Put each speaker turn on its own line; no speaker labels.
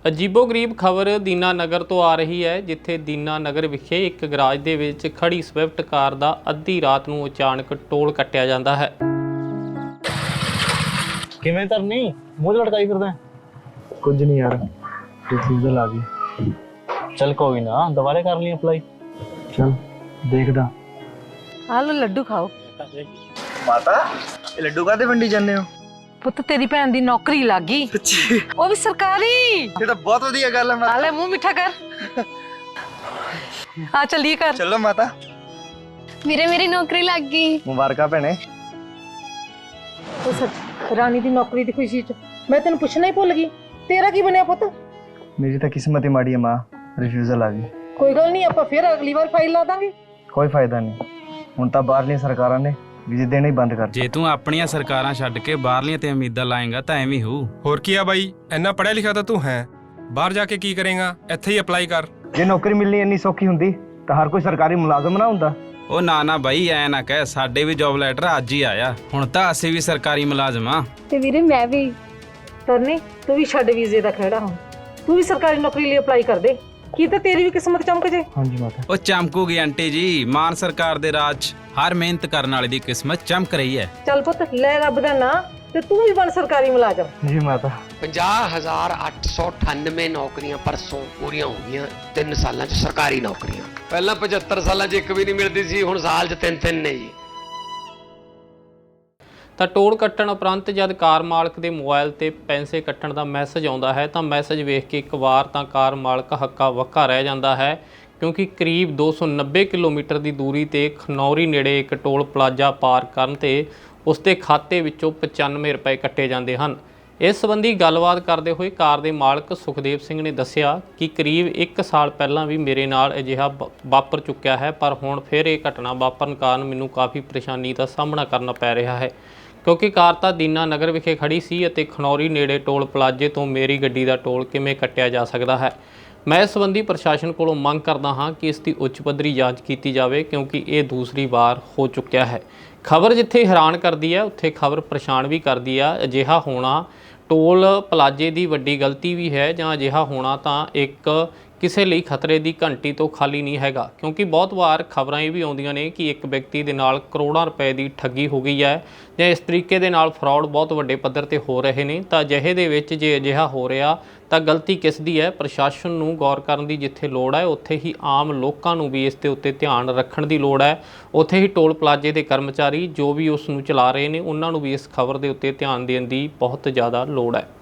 ਅਜੀਬੋ-ਗਰੀਬ ਖਬਰ ਦੀਨਾ ਨਗਰ ਤੋਂ ਆ ਰਹੀ ਹੈ, ਜਿੱਥੇ ਦੀਨਾ ਨਗਰ ਵਿਖੇ ਇੱਕ ਗਰਾਜ ਦੇ ਵਿੱਚ ਖੜੀ ਸਵਿਫਟ ਕਾਰ ਦਾ ਅੱਧੀ ਰਾਤ ਨੂੰ ਅਚਾਨਕ ਟੋਲ ਕੱਟਿਆ ਜਾਂਦਾ ਹੈ।
ਕਿਵੇਂ ਧਰਨੀ ਮੂੰਹ ਲਟਕਾਈ ਫਿਰਦਾ?
ਕੁਝ ਨਹੀਂ ਯਾਰ, ਰਿਫਿਊਜ਼ਲ ਆ ਗਈ।
ਚੱਲ ਕੋਈ ਨਾ, ਦੁਬਾਰੇ ਕਰ ਲਈ ਅਪਲਾਈ।
ਚਲ ਦੇਖਦਾ।
ਆ ਲੋ ਲੱਡੂ ਖਾਓ।
ਮਾਤਾ ਇਹ ਲੱਡੂ ਕਾਹਦੇ ਵੰਡੀ ਜਾਂਦੇ ਹੋ?
ਪੁੱਤ ਤੇਰੀ ਭੈਣ ਦੀ ਨੌਕਰੀ ਲੱਗ ਗਈ, ਉਹ ਵੀ ਸਰਕਾਰੀ।
ਇਹ ਤਾਂ ਬਹੁਤ ਵਧੀਆ ਗੱਲ ਹੈ ਮਾਤਾ।
ਆ ਲੈ ਮੂੰਹ ਮਿੱਠਾ ਕਰ। ਆ ਚੱਲੀਏ ਕਰ।
ਚਲੋ ਮਾਤਾ।
ਵੀਰੇ ਮੇਰੀ ਨੌਕਰੀ ਲੱਗ ਗਈ।
ਮੁਬਾਰਕਾਂ ਭੈਣੇ।
ਉਹ ਸੱਚ ਰਾਣੀ ਦੀ ਨੌਕਰੀ ਦੀ ਖੁਸ਼ੀ ਚ ਮੈਂ ਤੈਨੂੰ ਪੁੱਛਣਾ ਹੀ ਭੁੱਲ ਗਈ, ਤੇਰਾ ਕੀ ਬਣਿਆ ਪੁੱਤ?
ਮੇਰੀ ਤਾਂ ਕਿਸਮਤ ਹੀ ਮਾੜੀ ਹੈ ਮਾਂ, ਰਿਫਿਊਜ਼ਲ ਆ ਗਈ।
ਕੋਈ ਗੱਲ ਨਹੀਂ, ਆਪਾਂ ਫਿਰ ਅਗਲੀ ਵਾਰ ਫਾਈਲ ਲਾ ਦਾਂਗੇ।
ਕੋਈ ਫਾਇਦਾ ਨਹੀਂ, ਹੁਣ ਤਾਂ ਬਾਹਰਲੀਆਂ ਸਰਕਾਰਾਂ ਨੇ ਵੀਜ਼ੇ ਦੇਣੇ ਹੀ ਬੰਦ ਕਰ ਦਿੱਤੇ।
ਜੇ ਤੂੰ ਆਪਣੀਆਂ ਸਰਕਾਰਾਂ ਛੱਡ ਕੇ ਬਾਹਰਲੀਆਂ ਤੇ ਉਮੀਦਾਂ ਲਾਏਗਾ ਤਾਂ ਐਵੇਂ ਹੋਊ।
ਹੋਰ ਕੀ ਆ ਬਾਈ, ਇੰਨਾ ਪੜ੍ਹਿਆ ਲਿਖਿਆ ਤਾਂ ਤੂੰ ਹੈ, ਬਾਹਰ ਜਾ ਕੇ ਕੀ ਕਰੇਗਾ? ਇੱਥੇ ਹੀ ਅਪਲਾਈ ਕਰ।
ਜੇ ਨੌਕਰੀ ਮਿਲਣੀ ਇੰਨੀ ਸੌਖੀ ਹੁੰਦੀ ਤਾਂ ਹਰ ਕੋਈ ਸਰਕਾਰੀ ਮੁਲਾਜ਼ਮ ਨਾ ਹੁੰਦਾ।
ਉਹ ਨਾ ਬਾਈ, ਐ ਨਾ ਕਹਿ, ਸਾਡੇ ਵੀ ਜੌਬ ਲੈਟਰ ਅੱਜ ਹੀ ਆਇਆ। ਹੁਣ ਤਾਂ ਅਸੀਂ ਵੀ ਸਰਕਾਰੀ ਮੁਲਾਜ਼ਮ ਆ।
ਤੇ ਵੀਰੇ ਮੈਂ ਵੀ।
ਤਰਨੀ ਤੂੰ ਵੀ ਛੱਡ ਵੀਜ਼ੇ ਦਾ ਖਹਿੜਾ, ਹੁਣ ਤੂੰ ਵੀ ਸਰਕਾਰੀ ਨੌਕਰੀ ਲਈ ਅਪਲਾਈ ਕਰ ਦੇ, ਕੀ ਤਾਂ ਤੇਰੀ ਵੀ ਕਿਸਮਤ ਚਮਕ ਜੇ।
ਹਾਂਜੀ ਮਾਤਾ।
ਉਹ ਚਮਕੂਗੀ ਆਂਟੀ ਜੀ, ਮਾਨ ਸਰਕਾਰ ਦੇ ਰਾਜ 'ਚ ਹਰ ਮਿਹਨਤ ਕਰਨ ਵਾਲੇ ਦੀ ਕਿਸਮਤ ਚਮਕ ਰਹੀ ਹੈ।
ਚੱਲ ਪੁੱਤ ਲੈ ਰੱਬ ਦਾ ਨਾਂ, ਤੇ ਤੂੰ ਵੀ ਬਣ ਸਰਕਾਰੀ ਮੁਲਾਜ਼ਮ।
ਜੀ ਮਾਤਾ।
50,898 ਨੌਕਰੀਆਂ ਪਰਸੋਂ ਪੂਰੀਆਂ ਹੋ ਗਈਆਂ 3 ਸਾਲਾਂ 'ਚ ਸਰਕਾਰੀ ਨੌਕਰੀਆਂ। ਪਹਿਲਾਂ 75 ਸਾਲਾਂ 'ਚ ਇੱਕ ਵੀ ਨਹੀਂ ਮਿਲਦੀ ਸੀ, ਹੁਣ ਸਾਲ 'ਚ 3-3 ਨੇ ਜੀ।
ਤਾਂ ਟੋਲ ਕੱਟਣ ਉਪਰੰਤ ਜਦ ਕਾਰ ਮਾਲਕ ਦੇ ਮੋਬਾਈਲ ਤੇ ਪੈਸੇ ਕੱਟਣ ਦਾ ਮੈਸੇਜ ਆਉਂਦਾ ਹੈ ਤਾਂ ਮੈਸੇਜ ਵੇਖ ਕੇ ਇੱਕ ਵਾਰ ਤਾਂ ਕਾਰ ਮਾਲਕ ਹੱਕਾ ਵੱਕਾ ਰਹਿ ਜਾਂਦਾ ਹੈ, ਕਿਉਂਕਿ ਕਰੀਬ 290 ਕਿਲੋਮੀਟਰ ਦੀ ਦੂਰੀ ਤੇ ਖਨੌਰੀ ਨੇੜੇ ਇੱਕ ਟੋਲ ਪਲਾਜ਼ਾ ਪਾਰ ਕਰਨ ਤੇ ਉਸ ਦੇ ਖਾਤੇ ਵਿੱਚੋਂ 95 ਰੁਪਏ ਕੱਟੇ ਜਾਂਦੇ ਹਨ। ਇਸ ਸੰਬੰਧੀ ਗੱਲਬਾਤ ਕਰਦੇ ਹੋਏ ਕਾਰ ਦੇ ਮਾਲਕ ਸੁਖਦੇਵ ਸਿੰਘ ਨੇ ਦੱਸਿਆ ਕਿ ਕਰੀਬ 1 ਸਾਲ ਪਹਿਲਾਂ ਵੀ ਮੇਰੇ ਨਾਲ ਅਜਿਹਾ ਵਾਪਰ ਚੁੱਕਿਆ ਹੈ, ਪਰ ਹੁਣ ਫਿਰ ਇਹ ਘਟਨਾ ਵਾਪਰਨ ਕਾਰਨ ਮੈਨੂੰ ਕਾਫੀ ਪਰੇਸ਼ਾਨੀ ਦਾ ਸਾਹਮਣਾ ਕਰਨਾ ਪੈ ਰਿਹਾ ਹੈ, ਕਿਉਂਕਿ ਕਾਰ ਤਾਂ ਦੀਨਾ ਨਗਰ ਵਿਖੇ ਖੜੀ ਸੀ ਅਤੇ ਖਨੌਰੀ ਨੇੜੇ ਟੋਲ ਪਲਾਜ਼ੇ ਤੋਂ ਮੇਰੀ ਗੱਡੀ ਦਾ ਟੋਲ ਕਿਵੇਂ ਕੱਟਿਆ ਜਾ ਸਕਦਾ ਹੈ। ਮੈਂ ਇਸ ਸੰਬੰਧੀ ਪ੍ਰਸ਼ਾਸਨ ਕੋਲੋਂ ਮੰਗ ਕਰਦਾ ਹਾਂ ਕਿ ਇਸ ਦੀ ਉੱਚ ਪੱਧਰੀ ਜਾਂਚ ਕੀਤੀ ਜਾਵੇ, ਕਿਉਂਕਿ ਇਹ ਦੂਸਰੀ ਵਾਰ ਹੋ ਚੁੱਕਿਆ ਹੈ। ਖਬਰ ਜਿੱਥੇ ਹੈਰਾਨ ਕਰਦੀ ਹੈ ਉੱਥੇ ਖਬਰ ਪਰੇਸ਼ਾਨ ਵੀ ਕਰਦੀ ਆ। ਅਜਿਹਾ ਹੋਣਾ ਟੋਲ ਪਲਾਜ਼ੇ ਦੀ ਵੱਡੀ ਗਲਤੀ ਵੀ ਹੈ, ਜਾਂ ਅਜਿਹਾ ਹੋਣਾ ਤਾਂ ਇੱਕ ਕਿਸੇ ਲਈ ਖਤਰੇ ਦੀ ਘੰਟੀ ਤੋਂ ਖਾਲੀ ਨਹੀਂ ਹੈਗਾ, ਕਿਉਂਕਿ ਬਹੁਤ ਵਾਰ ਖਬਰਾਂ ਇਹ ਵੀ ਆਉਂਦੀਆਂ ਨੇ ਕਿ ਇੱਕ ਵਿਅਕਤੀ ਦੇ ਨਾਲ ਕਰੋੜਾਂ ਰੁਪਏ ਦੀ ਠੱਗੀ ਹੋ ਗਈ ਹੈ, ਜਾਂ ਇਸ ਤਰੀਕੇ ਦੇ ਨਾਲ ਫਰਾਡ ਬਹੁਤ ਵੱਡੇ ਪੱਧਰ ਤੇ ਹੋ ਰਹੇ ਨੇ। ਤਾਂ ਅਜਿਹੇ ਦੇ ਵਿੱਚ ਜੇ ਅਜਿਹਾ ਹੋ ਰਿਹਾ ਤਾਂ ਗਲਤੀ ਕਿਸ ਦੀ ਹੈ? ਪ੍ਰਸ਼ਾਸਨ ਨੂੰ ਗੌਰ ਕਰਨ ਦੀ ਜਿੱਥੇ ਲੋੜ ਹੈ, ਉੱਥੇ ਹੀ ਆਮ ਲੋਕਾਂ ਨੂੰ ਵੀ ਇਸ ਦੇ ਉੱਤੇ ਧਿਆਨ ਰੱਖਣ ਦੀ ਲੋੜ ਹੈ। ਉੱਥੇ ਹੀ ਟੋਲ ਪਲਾਜ਼ੇ ਦੇ ਕਰਮਚਾਰੀ ਜੋ ਵੀ ਉਸ ਨੂੰ ਚਲਾ ਰਹੇ ਨੇ, ਉਹਨਾਂ ਨੂੰ ਵੀ ਇਸ ਖਬਰ ਦੇ ਉੱਤੇ ਧਿਆਨ ਦੇਣ ਦੀ ਬਹੁਤ ਜ਼ਿਆਦਾ ਲੋੜ ਹੈ।